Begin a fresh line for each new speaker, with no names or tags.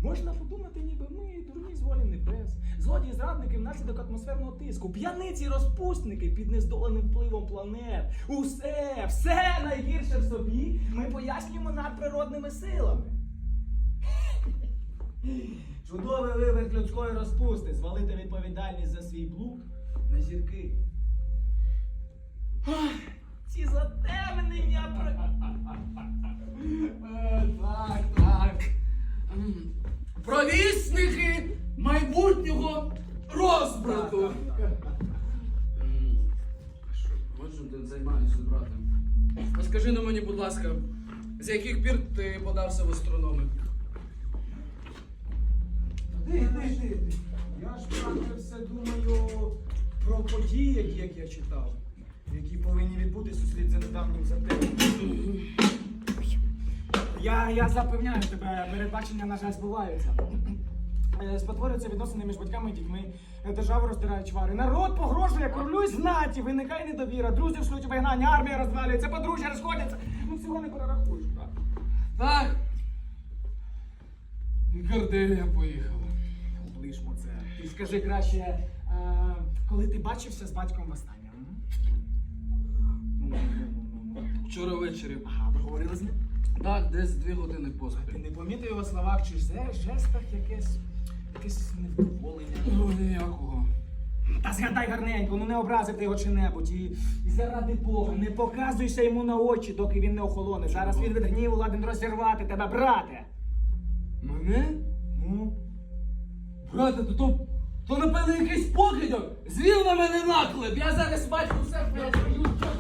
Можна подумати, ніби ми дурні з волі небес, злодії зрадники внаслідок атмосферного тиску, п'яниці розпусники під нездоленим впливом планет. Все найгірше в собі ми пояснюємо надприродними силами. Чудовий виверт людської розпусти, звалити відповідальність за свій блуд на зірки. Ці затемнення
Так. Провісники майбутнього розбрату. Можу, ти займаюся, брате. А скажи на мені, будь ласка, з яких пір ти подався в астрономи?
Ти. Я ж, брате, все думаю про події, як я читав, які повинні відбутися услід за недавнім затемненням. Я запевняю тебе, передбачення, на жаль, збуваються. Спотворюються відносини між батьками і дітьми, державу роздирають чвари. Народ погрожує королю й знаті, виникає недовіра, друзів шлють у вигнання, армія розвалюється, подружжя розходяться. Ну всього не перерахуєш, брат.
Так. Горделія поїхала.
Облишмо це. Ти скажи краще, коли ти бачився з батьком востаннє?
Вчора ввечері.
Ага, ви говорили з ним?
Так, десь 2 години
Ти
поспіль.
не помітив його словах чи жестах якесь невдоволення?
Ну, ніякого.
Та згадай гарненько, ну не образив ти його чи-небудь. І заради Бога, не показуйся йому на очі, доки він не охолоне. Зараз він від гніву ладен розірвати тебе, брате.
Мене?
Ну?
Брате, то напевно якийсь покидьок звів на мене наклеп. Я зараз бачу все,